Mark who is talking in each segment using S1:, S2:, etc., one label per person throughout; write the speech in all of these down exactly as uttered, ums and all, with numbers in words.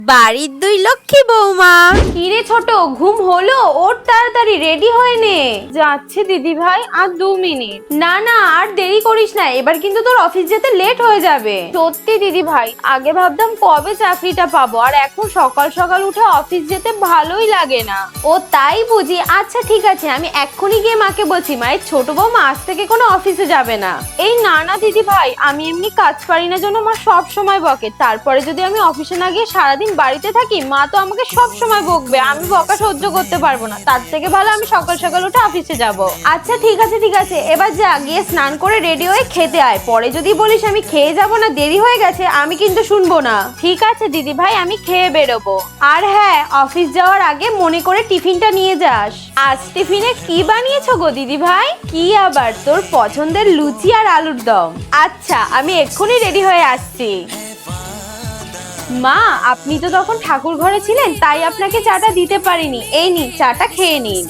S1: বাড়ির দুই লক্ষ্মী বৌমা।
S2: কিরে ছোট, ঘুম হলো? ওর তাড়াতাড়ি রেডি হয়ে নে। যাচ্ছে দিদি ভাই, আর দু মিনিট। না না, আর দেরি করিস না, এবার কিন্তু তোর অফিস যেতে লেট হয়ে যাবে। সত্যি দিদি ভাই, আগে ভাবতাম কবে চাকরিটা পাবো, আর এখন সকাল সকাল উঠে অফিস যেতে ভালোই লাগে না। ও তাই বুঝি? আচ্ছা ঠিক আছে, আমি এক্ষুনি গিয়ে মাকে বলছি মায়ের ছোট বৌমা আজ থেকে কোনো অফিসে যাবে না। এই না না দিদি ভাই, আমি এমনি কাজ পারি না জন্য মা সব সময় বকে, তারপরে যদি আমি অফিসে না গিয়ে সারাদিন বাড়িতে থাকি মা তো আমাকে সব সময় বকবে, আমি বকা সহ্য করতে পারবো না। তার থেকে ভালো আমি সকাল সকাল উঠে অফিসে যাব। আচ্ছা ঠিক আছে ঠিক আছে, এবার যা, গিয়ে স্নান করে রেডি হয়ে খেতে আয়। পরে যদি বলিস আমি খেয়ে যাব না, দেরি হয়ে গেছে, আমি কিন্তু শুনবো না। ঠিক আছে দিদি ভাই, আমি খেয়ে বেরোবো। আর হ্যাঁ, অফিস যাওয়ার আগে মনে করে টিফিনটা নিয়ে যাস। আজ টিফিনে কি বানিয়েছো গো দিদি ভাই? কি আবার, তোর পছন্দের লুচি আর আলুর দম। আচ্ছা, আমি এক্ষুনি রেডি হয়ে আসছি। মা, আপনি তো তখন ঠাকুর ঘরে ছিলেন, তাই আপনাকে চাটা দিতে পারিনি। এই নি, চাটা খেয়ে নিন।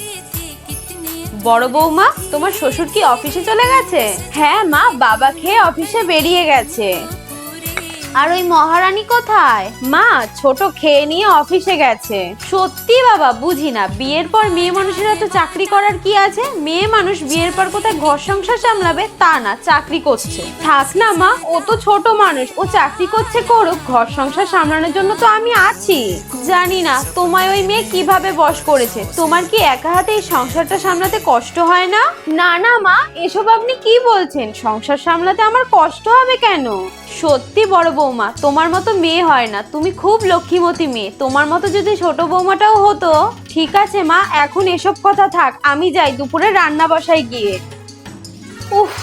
S2: বড় বৌমা, তোমার শ্বশুর কি অফিসে চলে গেছে? হ্যাঁ মা, বাবা খেয়ে অফিসে বেরিয়ে গেছে। আর ওই মহারানী কোথায়? মা, ছোট খেয়ে নিয়ে অফিসে গেছে। সত্যি বাবা, বুঝি না, বিয়ের পর মেয়ে মানুষেরা তো চাকরি করার কি আছে? মেয়ে মানুষ বিয়ের পর কোথায় ঘর সংসার সামলাবে তা না, চাকরি করছে। থাক না মা, ও তো ছোট মানুষ, ও চাকরি করছে করুক, ঘর সংসার সামলানোর জন্য তো আমি আছি। জানি না তোমায় ওই মেয়ে কিভাবে বশ করেছে। তোমার কি একা হাতে এই সংসারটা সামলাতে কষ্ট হয় না? না না মা, এসব আপনি কি বলছেন? সংসার সামলাতে আমার কষ্ট হবে কেন? সত্যি বড় বৌমা, তোমার মতো মেয়ে হয় না, তুমি খুব লক্ষ্মীমতী মেয়ে। তোমার মতো যদি ছোট বৌমাটাও হতো। ঠিক আছে মা, এখন এসব কথা থাক, আমি যাই দুপুরে রান্না বসাই গিয়ে। উফ,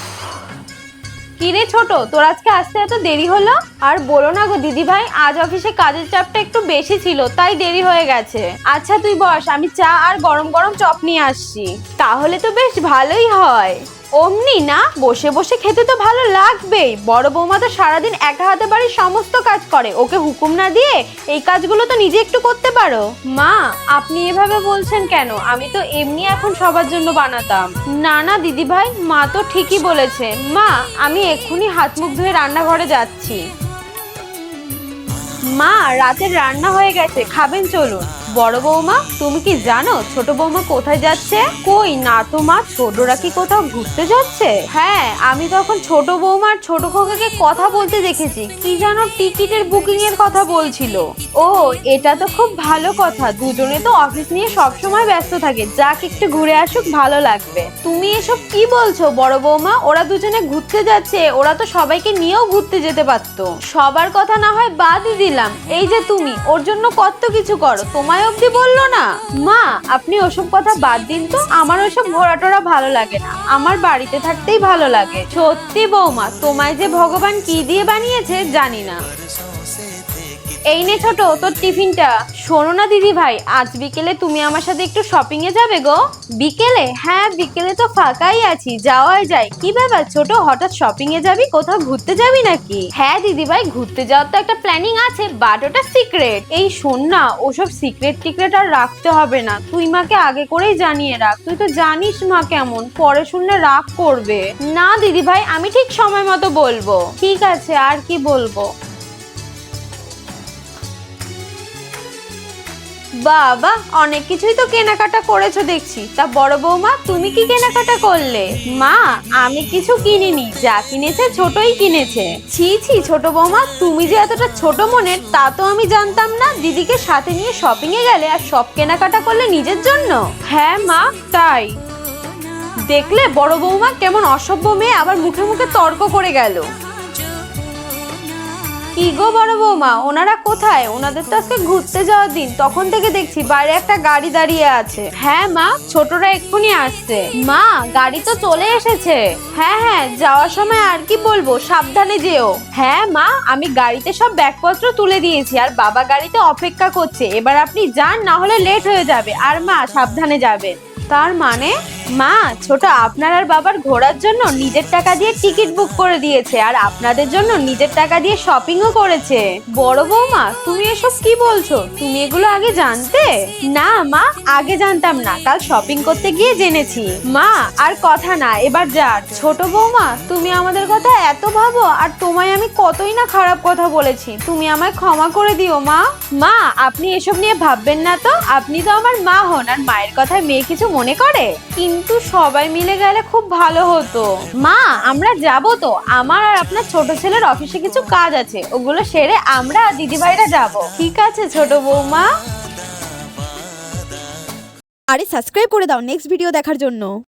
S2: কিরে ছোট, তোর আজকে আসতে এত দেরি হলো? আর বলো না গো দিদি ভাই, আজ অফিসে কাজের চাপটা একটু বেশি ছিল, তাই দেরি হয়ে গেছে। আচ্ছা তুই বস, আমি চা আর গরম গরম চপ নিয়ে আসছি। তাহলে তো বেশ ভালোই হয়। অমনি না, বসে বসে খেতে তো ভালো লাগবেই। বড় বৌমা তো সারাদিন একা হাতে বাড়ির সমস্ত কাজ করে, ওকে হুকুম না দিয়ে এই কাজগুলো তো নিজে একটু করতে পারো। মা, আপনি এভাবে বলছেন কেন? আমি তো এমনি এখন সবার জন্য বানাতাম। না না দিদি ভাই, মা তো ঠিকই বলেছে। মা, আমি এক্ষুনি হাত মুখ ধুয়ে রান্নাঘরে যাচ্ছি। মা, রাতের রান্না হয়ে গেছে, খাবেন চলুন। বড় বৌমা, তুমি কি জানো ছোট বৌমা কোথায় যাচ্ছে? কই না তো মা, ছোটরা কি কোথাও ঘুরতে যাচ্ছে? হ্যাঁ, আমি তখন ছোট বৌমার ছোট খোকাকে কথা বলতে দেখেছি, কি জানো টিকিটের বুকিং এর কথা বলছিল। ও, এটা তো খুব ভালো কথা, দুজনে তো অফিস নিয়ে সবসময় ব্যস্ত থাকে, যাক একটু ঘুরে আসুক, ভালো লাগবে। তুমি এসব কি বলছো বড় বৌমা? ওরা দুজনে ঘুরতে যাচ্ছে, ওরা তো সবাইকে নিয়েও ঘুরতে যেতে পারতো। সবার কথা না হয় বাদই দিলাম, এই যে তুমি ওর জন্য কত কিছু করো, তোমায় অবধি বললো না? মা, আপনি ওসব কথা বাদ দিন তো, আমার ওসব ঘোরাটোরা ভালো লাগে না, আমার বাড়িতে থাকতেই ভালো লাগে। সত্যি বৌমা, তোমায় যে ভগবান কি দিয়ে বানিয়েছে জানি না। এই নে ছোট, তোর টিফিনটা। শোনো না দিদি ভাই, আজ বিকেলে তুমি আমার সাথে একটু শপিং এ যাবে গো? বিকেলে? হ্যাঁ, বিকেলে তো ফাঁকাই আছি, যাওয়াই যায়। কি ব্যাপার ছোট, হঠাৎ শপিং এ যাবি? কোথাও ঘুরতে যাবি নাকি? হ্যাঁ দিদি ভাই, ঘুরতে যাওয়ার তো একটা প্ল্যানিং আছে, বাট ওটা সিক্রেট। এই শোন না, ওসব সিক্রেট টিক্রেট আর রাখতে হবে না, তুই মাকে আগে করেই জানিয়ে রাখ। তুই তো জানিস মা কেমন, পরে শুনলে রাগ করবে। না দিদি ভাই, আমি ঠিক সময় মতো বলবো। ঠিক আছে, আর কি বলবো? বাবা, অনেক কিছুই তো কেনাকাটা করেছো দেখছি। তা বড় বৌমা, তুমি কি কেনাকাটা করলে? মা, আমি কিছু কিনিনি, যা কিনেছে ছোটই কিনেছে। ছি ছি ছোট বৌমা, তুমি যে এতটা ছোট মনের তা তো আমি জানতাম না। দিদিকে সাথে নিয়ে শপিং এ গেলে আর সব কেনাকাটা করলে নিজের জন্য? হ্যাঁ মা, তাই। দেখলে বড় বৌমা কেমন অসভ্য মেয়ে, আবার মুখে মুখে তর্ক করে গেল। কি গো বড় বৌমা, ওনারা কোথায়? ওনাদের তো আজকে ঘুরতে যাওয়ার দিন, তখন থেকে দেখছি বাইরে একটা গাড়ি দাঁড়িয়ে আছে। হ্যাঁ মা, ছোটরা এক্ষুনি আসছে। মা, গাড়ি তো চলে এসেছে। হ্যাঁ হ্যাঁ, যাওয়ার সময় আর কি বলবো, সাবধানে যেও। হ্যাঁ মা, আমি গাড়িতে সব ব্যাগপত্র তুলে দিয়েছি, আর বাবা গাড়িতে অপেক্ষা করছে। এবার আপনি যান, না হলে লেট হয়ে যাবে। আর মা, সাবধানে যাবেন। তার মানে? মা, ছোট আপনার আর বাবার ঘোরার জন্য নিজের টাকা দিয়ে টিকিট বুক করে দিয়েছে, আর আপনাদের জন্য নিজের টাকা দিয়ে শপিংও করেছে। বড় বৌমা, তুমি এসব কি বলছো? তুমি এগুলো আগে জানতে? না মা, আগে জানতাম না, কাল শপিং করতে গিয়ে জেনেছি। মা আর কথা না, এবার যার। ছোট বৌমা, তুমি আমাদের কথা এত ভাবো, আর তোমায় আমি কতই না খারাপ কথা বলেছি, তুমি আমায় ক্ষমা করে দিও মা। মা, আপনি এসব নিয়ে ভাববেন না তো, আপনি তো আমার মা হন, আর মায়ের কথায় মেয়ে কিছু মনে করে? কিন্তু সবাই মিলে গেলে খুব ভালো হতো। মা, আমরা যাব তো, আমার আর আপনার ছোট ছেলের অফিসে কিছু কাজ আছে, ওগুলো সেরে আমরা দিদিভাইরা যাব। ঠিক আছে ছোট বৌমা।
S1: আরে সাবস্ক্রাইব করে দাও নেক্সট ভিডিও দেখার জন্য।